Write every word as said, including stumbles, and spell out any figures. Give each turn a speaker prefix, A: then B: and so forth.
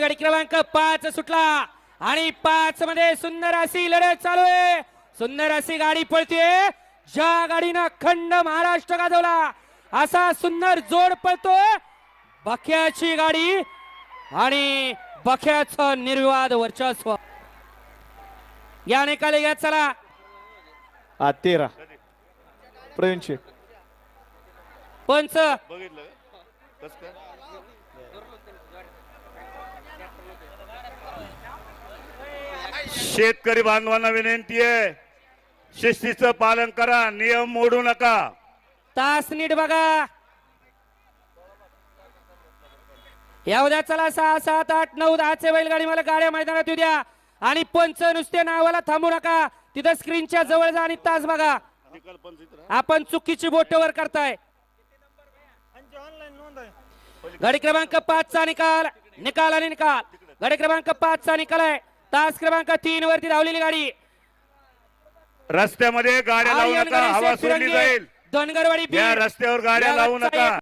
A: गाडी क्रमांक पाच सुटला आणि पाच मध्ये सुंदर अशी लढत चालू आहे. सुंदर अशी गाडी पळतीये. ज्या गाडीनं अखंड महाराष्ट्र गाजवला असा सुंदर जोड पळतोय बख्याची गाडी आणि बख्याचं निर्विवाद वर्चस्व. या निकाली घ्या चला.
B: हा तेरा प्रवीण शेठ
A: पंच
C: बघितलं कस काय शेतकरी बांधवांना विनंती आहे, शिस्तीचं पालन करा, नियम मोडू नका.
A: तास नीट बघा. या उद्या चला सहा सात आठ नऊ दहाचे बैलगाडी मला गाड्या मैदानात येऊ द्या आणि पंच नुसते नावाला थांबू नका. तिथं स्क्रीनच्या जवळ जा आणि तास बघा. आपण चुकीची बोट वर करताय. गाडी क्रमांक पाच चा निकाल निकाल आणि निकाल. गाडी क्रमांक पाच चा निकाल आहे. तास क्रमांक तीन वरती धावलेली गाडी.
C: रस्त्यामध्ये गाड्या लावू नका, हवा सोडली जाईल.
A: धनगरवाडी
C: या रस्त्यावर गाड्या लावू नका.